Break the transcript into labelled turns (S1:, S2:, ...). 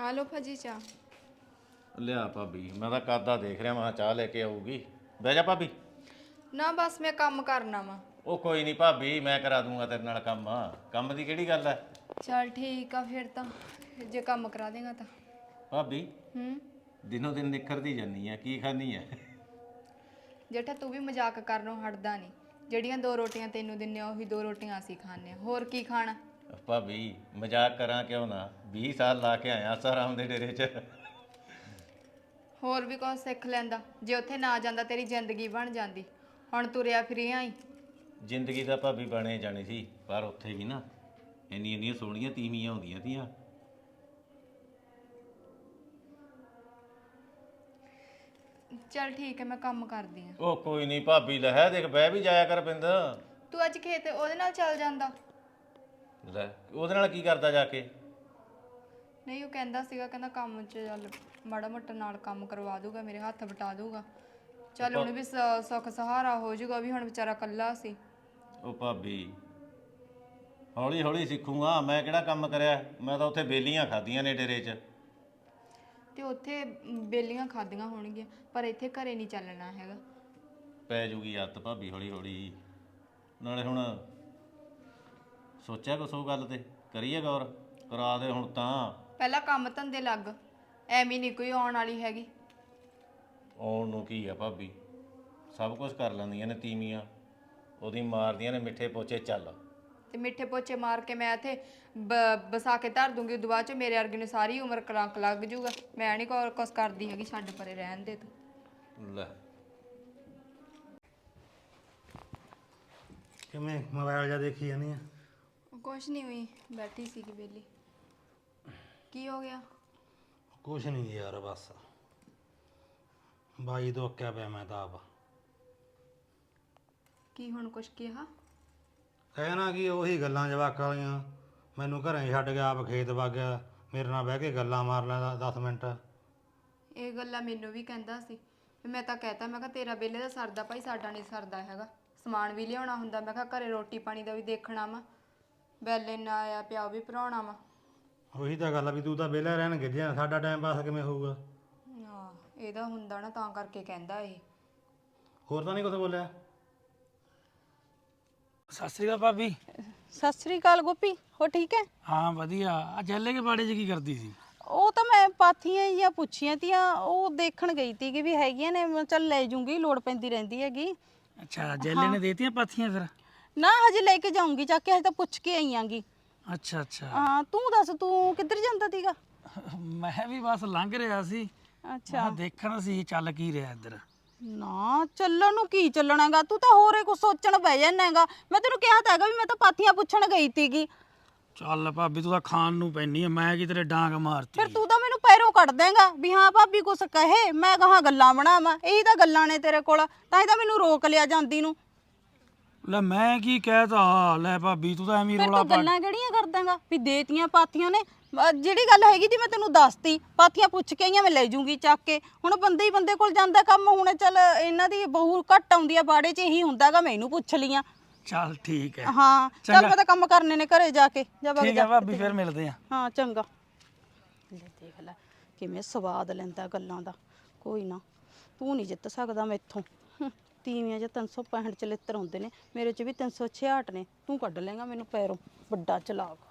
S1: ਆ ਲੋ ਭਾਜੀ ਚਾਹ।
S2: ਲਿਆ ਭਾਬੀ, ਮੈਂ ਤਾਂ ਕਾਦਾ ਦੇਖ ਰਿਹਾ, ਮੈਂ ਚਾਹ ਲੈ ਕੇ ਆਊਗੀ। ਬਹਿ ਜਾ ਭਾਬੀ।
S1: ਨਾ ਬਸ ਮੈਂ ਕੰਮ ਕਰਨਾ ਵਾ।
S2: ਉਹ ਕੋਈ ਨਹੀਂ ਭਾਬੀ, ਮੈਂ ਕਰਾ ਦੂੰਗਾ ਤੇਰੇ ਨਾਲ ਕੰਮ। ਕੰਮ ਦੀ ਕਿਹੜੀ ਗੱਲ ਹੈ।
S1: ਚਲ ਠੀਕ ਆ ਫਿਰ ਤਾਂ, ਜੇ ਕੰਮ ਕਰਾ ਦੇਗਾ ਤਾਂ।
S2: ਭਾਬੀ ਦਿਨੋਂ ਦਿਨ ਨਿਖਰਦੀ ਜਾਨੀ ਆ, ਕੀ ਖਾਨੀ ਆ?
S1: ਜੇਠਾ ਤੂੰ ਵੀ ਮਜ਼ਾਕ ਕਰਨੋਂ ਹਟਦਾ ਨਹੀਂ। ਜਿਹੜੀਆਂ 2 ਰੋਟੀਆਂ ਤੈਨੂੰ ਦਿੰਨੇ ਆ ਉਹੀ 2 ਰੋਟੀਆਂ ਅਸੀਂ ਖਾਣੇ ਆ, ਹੋਰ ਕੀ ਖਾਣਾ?
S2: ਭਾਬੀ ਮਜ਼ਾਕ ਕਰਾਂ ਕਿਉਂ ਨਾ, 20 ਸਾਲ ਲਾ ਕੇ ਆਇਆ ਆਸਾਰਾਮ ਦੇ ਡੇਰੇ 'ਚ।
S1: ਹੋਰ ਵੀ ਕੁਝ ਸਿੱਖ ਲੈਂਦਾ, ਜੇ ਉੱਥੇ ਨਾ ਜਾਂਦਾ ਤੇਰੀ ਜ਼ਿੰਦਗੀ ਬਣ ਜਾਂਦੀ। ਹੁਣ ਤੁਰਿਆ ਫਿਰਿਆ ਹੀ।
S2: ਜ਼ਿੰਦਗੀ ਤਾਂ ਭਾਬੀ ਬਣੇ ਜਾਣੀ ਸੀ, ਪਰ ਉੱਥੇ ਵੀ ਨਾ ਇੰਨੀਆਂ ਸੋਹਣੀਆਂ ਤੀਵੀਆਂ ਹੁੰਦੀਆਂ ਤੀਆਂ।
S1: ਚਲ ਠੀਕ ਹੈ, ਮੈਂ ਕੰਮ ਕਰਦੀ ਆ।
S2: ਉਹ ਕੋਈ ਨਹੀਂ ਭਾਬੀ, ਲੈ ਦੇਖ ਬਹਿ ਵੀ ਜਾਇਆ ਕਰ ਪਿੰਦ।
S1: ਤੂੰ ਅੱਜ ਖੇਤ ਉਹਦੇ ਨਾਲ ਚੱਲ ਜਾਂਦਾ।
S2: ਲੈ ਉਹਦੇ ਨਾਲ ਕੀ ਕਰਦਾ ਜਾ ਕੇ?
S1: ਨਹੀਂ ਉਹ ਕਹਿੰਦਾ ਸੀਗਾ, ਕਹਿੰਦਾ ਕੰਮ 'ਚ ਚੱਲ ਮਾੜਾ ਮੋਟਾ ਨਾਲ ਕੰਮ ਕਰਵਾ ਦੂਗਾ, ਮੇਰੇ ਹੱਥ ਵਟਾ ਦੂਗਾ। ਚੱਲ ਹੁਣ ਵੀ ਸੁੱਖ ਸਹਾਰਾ ਹੋ ਜਾਊਗਾ, ਵੀ ਹੁਣ ਵਿਚਾਰਾ ਇਕੱਲਾ ਸੀ।
S2: ਉਹ ਭਾਬੀ ਹੌਲੀ ਹੌਲੀ ਸਿੱਖੂਗਾ, ਮੈਂ ਕਿਹੜਾ ਕੰਮ ਕਰਿਆ, ਮੈਂ ਤਾਂ ਉੱਥੇ ਬੇਲੀਆਂ ਖਾਧੀਆਂ ਨੇ ਡੇਰੇ 'ਚ।
S1: ਤੇ ਉੱਥੇ ਬੇਲੀਆਂ ਖਾਧੀਆਂ ਹੋਣਗੀਆਂ, ਪਰ ਇੱਥੇ ਘਰੇ ਨਹੀਂ ਚੱਲਣਾ ਹੈਗਾ।
S2: ਪੈ ਜੂਗੀ ਆਦਤ ਭਾਬੀ ਹੌਲੀ ਹੌਲੀ। ਨਾਲੇ ਹੁਣ ਸੋਚਿਆ ਕੁਛ ਉਹ ਗੱਲ ਤੇ, ਕਰੀਏ ਗੌਰ, ਕਰਾ ਦੇ ਹੁਣ ਤਾਂ।
S1: ਪਹਿਲਾਂ ਕੰਮ ਧੰਦੇ ਲੱਗ, ਐਵੇਂ ਨਹੀਂ ਕੋਈ ਆਉਣ ਵਾਲੀ ਹੈਗੀ।
S2: ਆਉਣ ਨੂੰ ਕੀ ਆ ਭਾਬੀ, ਸਭ ਕੁਝ ਕਰ ਲੈਂਦੀਆਂ ਨੇ ਤੀਵੀਆਂ, ਉਹਦੀ ਮਾਰਦੀਆਂ ਨੇ ਮਿੱਠੇ ਪੋਚੇ। ਚੱਲ
S1: ਤੇ ਮਿੱਠੇ ਪੋਚੇ ਮਾਰ ਕੇ ਮੈਂ ਇੱਥੇ ਬਸਾ ਕੇ ਧਰ ਦੂੰਗੀ, ਉਦੋਂ ਬਾਅਦ ਚ ਮੇਰੇ ਵਰਗੇ ਨੂੰ ਸਾਰੀ ਉਮਰ ਕਲੰਕ ਲੱਗ ਜੂਗਾ। ਮੈਂ ਨਹੀਂ ਕੁਛ ਕਰਦੀ ਹੈਗੀ, ਛੱਡ ਪਰੇ ਰਹਿਣ ਦੇ ਤੂੰ।
S2: ਲੈ
S3: ਕਿਵੇਂ ਮੋਬਾਈਲ ਜਾਂ ਦੇਖੀ ਜਾਨੀ ਆ?
S1: ਕੁਛ ਨਹੀਂ ਹੋਈ, ਬੈਠੀ ਸੀਗੀ ਵਿਹਲੀ। ਕੀ ਹੋ ਗਿਆ?
S3: ਕੁਛ ਨਹੀਂ ਯਾਰ, ਬਸ ਬਾਈ ਤੋਂ ਅੱਕਿਆ ਪਿਆ ਮੈਂ ਤਾਂ ਆਪ।
S1: ਕੀ ਹੁਣ ਕੁਛ ਕਿਹਾ?
S3: ਕਹਿਣਾ ਕਿ ਉਹੀ ਗੱਲਾਂ ਜਵਾਕਾਂ ਵਾਲੀਆਂ, ਮੈਨੂੰ ਘਰੇ ਛੱਡ ਗਿਆ, ਆਪ ਖੇਤ ਵਗ ਗਿਆ, ਮੇਰੇ ਨਾਲ ਬਹਿ ਕੇ ਗੱਲਾਂ ਮਾਰ ਲੈਂਦਾ 10 ਮਿੰਟ।
S1: ਇਹ ਗੱਲਾਂ ਮੈਨੂੰ ਵੀ ਕਹਿੰਦਾ ਸੀ, ਮੈਂ ਤਾਂ ਕਹਿਤਾ, ਮੈਂ ਕਿਹਾ ਤੇਰਾ ਵਿਹਲੇ ਦਾ ਸਰਦਾ ਭਾਈ, ਸਾਡਾ ਨਹੀਂ ਸਰਦਾ ਹੈਗਾ। ਸਮਾਨ ਵੀ ਲਿਆਉਣਾ ਹੁੰਦਾ, ਮੈਂ ਕਿਹਾ ਘਰੇ ਰੋਟੀ ਪਾਣੀ ਦਾ ਵੀ ਦੇਖਣਾ ਵਾ, ਬੈਲ ਇੰਨਾ ਆਇਆ ਪਿਆ ਉਹ ਵੀ ਭਰਾਉਣਾ ਵਾ।
S3: ਉਹੀ ਤਾਂ ਗੱਲ ਆ ਵੀ ਤੂੰ ਤਾਂ ਵਿਹਲਾ ਰਹਿਣ ਗਿੱਜਿਆ, ਸਾਡਾ ਟਾਈਮ ਪਾਸ ਕਿਵੇਂ ਹੋਊਗਾ?
S1: ਹਾਂ ਇਹਦਾ ਹੁੰਦਾ ਨਾ, ਤਾਂ ਕਰਕੇ ਕਹਿੰਦਾ ਇਹ।
S3: ਹੋਰ ਤਾਂ ਨਹੀਂ ਕੁਛ ਬੋਲਿਆ?
S4: ਸਤਿ ਸ੍ਰੀ ਅਕਾਲ ਭਾਬੀ।
S5: ਸਤਿ ਸ੍ਰੀ ਅਕਾਲ ਗੋਪੀ, ਹੋ ਠੀਕ ਹੈ?
S4: ਹਾਂ ਵਧੀਆ। ਆ ਜੈਲੇ ਕੇ ਬਾੜੇ 'ਚ ਕੀ ਕਰਦੀ ਸੀ?
S5: ਉਹ ਤਾਂ ਮੈਂ ਪਾਥੀਆਂ ਜਾਂ ਪੁੱਛੀਆਂ ਤੀਆਂ, ਉਹ ਦੇਖਣ ਗਈ ਤੀ ਕਿ ਵੀ ਹੈਗੀਆਂ ਨੇ, ਮੈਂ ਚੱਲ ਲੈ ਜੂੰਗੀ, ਲੋੜ ਪੈਂਦੀ ਰਹਿੰਦੀ ਹੈਗੀ।
S4: ਅੱਛਾ, ਜੈਲੇ ਨੇ ਦੇਤੀਆਂ ਪਾਥੀਆਂ ਫਿਰ?
S5: ਨਾ ਹਜੇ ਲੈ ਕੇ ਜਾਊਂਗੀ ਚੱਕ ਕੇ, ਹਜੇ ਤਾਂ ਪੁੱਛ ਕੇ ਆਈ ਆਂਗੀ।
S4: ਅੱਛਾ ਅੱਛਾ।
S5: ਹਾਂ ਤੂੰ ਦੱਸ, ਤੂੰ ਕਿੱਧਰ ਜਾਂਦਾ ਤੀਗਾ?
S4: ਮੈਂ ਵੀ ਬਸ ਲੰਘ ਰਿਹਾ ਸੀ।
S5: ਅੱਛਾ
S4: ਦੇਖਣ ਸੀ ਚੱਲ ਕੀ ਰਿਹਾ ਇੱਧਰ।
S5: ਨਾ ਚੱਲਣ ਨੂੰ ਕੀ ਚੱਲਣਾਗਾ, ਤੂੰ ਤਾਂ ਹੋਰੇ ਕੁਝ ਸੋਚਣ ਬਹਿ ਜਾਨਾ ਹੈਗਾ। ਮੈਂ ਤੈਨੂੰ ਕਿਹਾ ਤਾਂ ਹੈਗਾ ਵੀ ਮੈਂ ਤਾਂ ਪਾਥੀਆਂ ਪੁੱਛਣ ਗਈ ਤੀਗੀ।
S4: ਚੱਲ ਭਾਬੀ ਤੂੰ ਤਾਂ ਖਾਣ ਨੂੰ ਪੈਣੀ ਆ, ਮੈਂ ਕੀ ਤੇਰੇ ਡਾਂਗ ਮਾਰਤੀ?
S5: ਫਿਰ ਤੂੰ ਤਾਂ ਮੈਨੂੰ ਪੈਰੋਂ ਕੱਢ ਦੇਂਗਾ ਵੀ ਹਾਂ ਭਾਬੀ ਕੁਛ ਕਹੇ, ਮੈਂ ਕਹਾਂ ਗੱਲਾਂ ਬਣਾਵਾਂ। ਇਹੀ ਤਾਂ ਗੱਲਾਂ ਨੇ ਤੇਰੇ ਕੋਲ, ਤਾਂ ਹੀ ਤਾਂ ਮੈਨੂੰ ਰੋਕ ਲਿਆ ਜਾਂਦੀ ਨੂੰ।
S4: ਲੈ ਮੈਂ ਕੀ ਕਹਿਤਾ? ਲੈ ਭਾਬੀ ਤੂੰ ਤਾਂ ਐਵੇਂ
S5: ਫਿਰ
S4: ਰੋਲਾ
S5: ਤੂੰ
S4: ਪਾ।
S5: ਗੱਲਾਂ ਕਿਹੜੀਆਂ ਕਰਦਾਂਗਾ ਵੀ ਦੇਤੀਆਂ ਪਾਥੀਆਂ ਨੇ? ਜਿਹੜੀ ਗੱਲ ਹੈਗੀ ਜੀ ਮੈਂ ਤੈਨੂੰ ਦੱਸਤੀ, ਪਾਥੀਆਂ ਪੁੱਛ ਕੇ ਆਈਆਂ, ਮੈਂ ਲੈ ਜੂੰਗੀ ਚੱਕ ਕੇ। ਹੁਣ ਬੰਦੇ ਹੀ ਬੰਦੇ ਕੋਲ ਜਾਂਦਾ ਕੰਮ। ਹੁਣ ਚੱਲ ਇਹਨਾਂ ਦੀ ਬਹੂ ਘੱਟ ਆਉਂਦੀ ਆ ਬਾੜੇ 'ਚ, ਇਹੀ ਹੁੰਦਾਗਾ, ਮੈਂ ਇਹਨੂੰ ਪੁੱਛ ਲੀਆਂ।
S4: ਚੱਲ ਠੀਕ ਹੈ।
S5: ਹਾਂ ਚੱਲ ਮੈਂ ਤਾਂ ਕੰਮ ਕਰਨੇ ਨੇ ਘਰੇ ਜਾ ਕੇ। ਜਾ ਵਗ
S4: ਠੀਕ
S5: ਜਾ
S4: ਹੈ ਭਾਬੀ, ਫਿਰ ਮਿਲਦੇ ਆ।
S5: ਹਾਂ ਚੰਗਾ। ਲੈ ਦੇਖ ਲੈ ਕਿਵੇਂ ਸਵਾਦ ਲੈਂਦਾ ਗੱਲਾਂ ਦਾ। ਕੋਈ ਨਾ, ਤੂੰ ਨਹੀਂ ਜਿੱਤ ਸਕਦਾ ਮੈਥੋਂ। ਤੀਵੀਆਂ 'ਚ 365 ਚਲਿੱਤਰ ਹੁੰਦੇ ਨੇ, ਮੇਰੇ 'ਚ ਵੀ 366 ਨੇ। ਤੂੰ ਕੱਢ ਲੇਗਾ ਮੈਨੂੰ ਪੈਰੋਂ, ਵੱਡਾ ਚਲਾਕ।